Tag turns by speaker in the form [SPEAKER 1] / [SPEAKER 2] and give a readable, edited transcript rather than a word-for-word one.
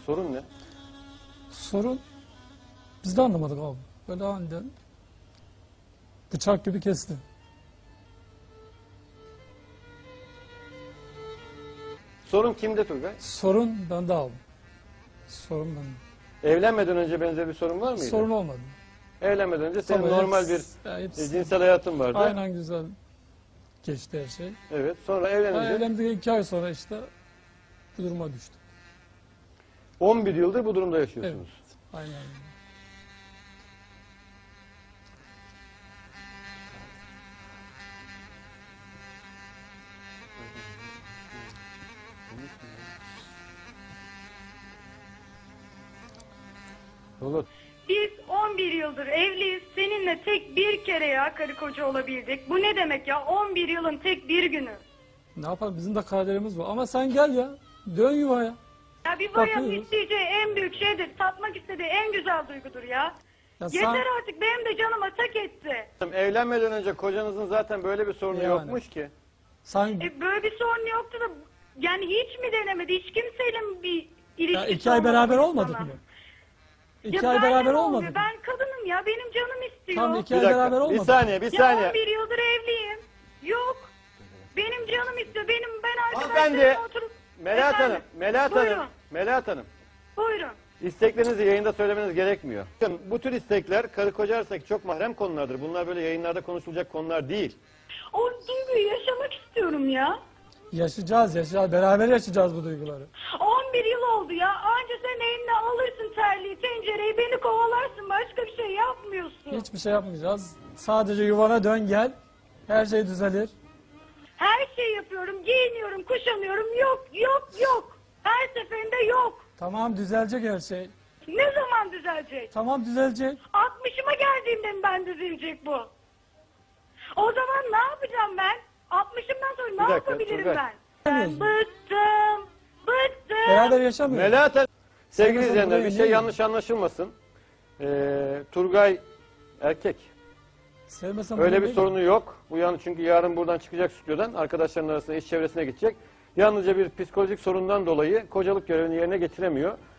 [SPEAKER 1] Sorun ne?
[SPEAKER 2] Sorun biz de anlamadık abi. Böyle aniden bıçak gibi kesti.
[SPEAKER 1] Sorun kimde Turgay?
[SPEAKER 2] Sorun bende abi. Sorun bende.
[SPEAKER 1] Evlenmeden önce benzer bir sorun var mıydı?
[SPEAKER 2] Sorun olmadı.
[SPEAKER 1] Evlenmeden önce senin
[SPEAKER 2] Tabii
[SPEAKER 1] normal bir cinsel hayatın vardı.
[SPEAKER 2] aynen güzel geçti her şey.
[SPEAKER 1] Evet. Sonra
[SPEAKER 2] Ben
[SPEAKER 1] evlenince
[SPEAKER 2] evlendik 2 ay sonra işte bu duruma düştüm.
[SPEAKER 1] 11 yıldır bu durumda
[SPEAKER 2] Evet.
[SPEAKER 1] yaşıyorsunuz.
[SPEAKER 2] Aynen.
[SPEAKER 1] Valla
[SPEAKER 3] Biz 11 yıldır evliyiz. Seninle tek bir kere ya karı koca olabildik. Bu ne demek ya? 11 yılın tek bir günü.
[SPEAKER 2] Ne yapalım bizim de kaderimiz var. Ama sen gel ya. Dön yuvaya.
[SPEAKER 3] Ya bir bayanın
[SPEAKER 2] Bakıyoruz.
[SPEAKER 3] isteyeceği en büyük şeydir. Tatmak istediği en güzel duygudur ya.
[SPEAKER 2] Ya sen-
[SPEAKER 3] Yeter artık, benim de canıma tak etti.
[SPEAKER 1] evlenmeden önce kocanızın zaten böyle bir sorunu
[SPEAKER 2] Yani.
[SPEAKER 1] yokmuş ki.
[SPEAKER 2] Sen
[SPEAKER 3] Böyle bir sorun yoktu da yani hiç mi denemedi? Hiç kimseyle mi bir ilişki
[SPEAKER 2] ya 2 ay beraber
[SPEAKER 3] olmadı
[SPEAKER 2] olmadık
[SPEAKER 3] sana?
[SPEAKER 2] mı?
[SPEAKER 3] Ya
[SPEAKER 2] 2 ay
[SPEAKER 3] benle
[SPEAKER 2] beraber
[SPEAKER 3] ne
[SPEAKER 2] olmadık
[SPEAKER 3] oluyor?
[SPEAKER 2] mı?
[SPEAKER 3] Ben kadınım ya, benim canım istiyor.
[SPEAKER 2] Tam 2
[SPEAKER 1] Bir
[SPEAKER 2] ay beraber
[SPEAKER 1] dakika. Bir
[SPEAKER 2] olmadık.
[SPEAKER 1] saniye, bir
[SPEAKER 3] Ya
[SPEAKER 1] saniye.
[SPEAKER 3] 11 yıldır evliyim. Yok. Benim canım istiyor. Ben
[SPEAKER 1] Hanımefendi,
[SPEAKER 3] arkadaşlarımla oturup...
[SPEAKER 1] Melahat
[SPEAKER 3] Efendim?
[SPEAKER 1] Hanım, Melahat
[SPEAKER 3] Buyurun.
[SPEAKER 1] Hanım, Melahat Hanım.
[SPEAKER 3] Buyurun.
[SPEAKER 1] İsteklerinizi yayında söylemeniz gerekmiyor. Bakın, bu tür istekler karı koca arasındaki çok mahrem konulardır. Bunlar böyle yayınlarda konuşulacak konular değil.
[SPEAKER 3] O duyguyu yaşamak istiyorum ya.
[SPEAKER 2] Yaşayacağız. Beraber yaşayacağız bu duyguları.
[SPEAKER 3] 11 yıl oldu ya. Anca sen eline alırsın terliği, tencereyi, beni kovalarsın. Başka bir şey yapmıyorsun.
[SPEAKER 2] Hiçbir şey yapmayacağız. Sadece yuvana dön gel. Her şey düzelir.
[SPEAKER 3] Her şeyi yapıyorum. Giyiniyorum, kuşanıyorum. Yok. Her seferinde yok.
[SPEAKER 2] Tamam düzelecek her şey.
[SPEAKER 3] Ne zaman düzelecek?
[SPEAKER 2] Tamam düzelecek.
[SPEAKER 3] 60'ıma geldiğimde mi ben düzelecek bu? O zaman ne yapacağım ben? 60'ımdan sonra ne
[SPEAKER 1] dakika,
[SPEAKER 3] yapabilirim
[SPEAKER 1] Turgay.
[SPEAKER 3] ben? Ben bıktım.
[SPEAKER 2] Beraber yaşamıyoruz.
[SPEAKER 1] Melahat Hanım, sevgili
[SPEAKER 2] mesela
[SPEAKER 1] izleyenler
[SPEAKER 2] buraya
[SPEAKER 1] bir şey
[SPEAKER 2] niye
[SPEAKER 1] yanlış anlaşılmasın. Turgay erkek.
[SPEAKER 2] Sevmesem
[SPEAKER 1] Öyle
[SPEAKER 2] bunu
[SPEAKER 1] bir
[SPEAKER 2] değil.
[SPEAKER 1] sorunu yok. Bu çünkü yarın buradan çıkacak stüdyodan arkadaşlarının arasında iş çevresine gidecek. Yalnızca bir psikolojik sorundan dolayı kocalık görevini yerine getiremiyor.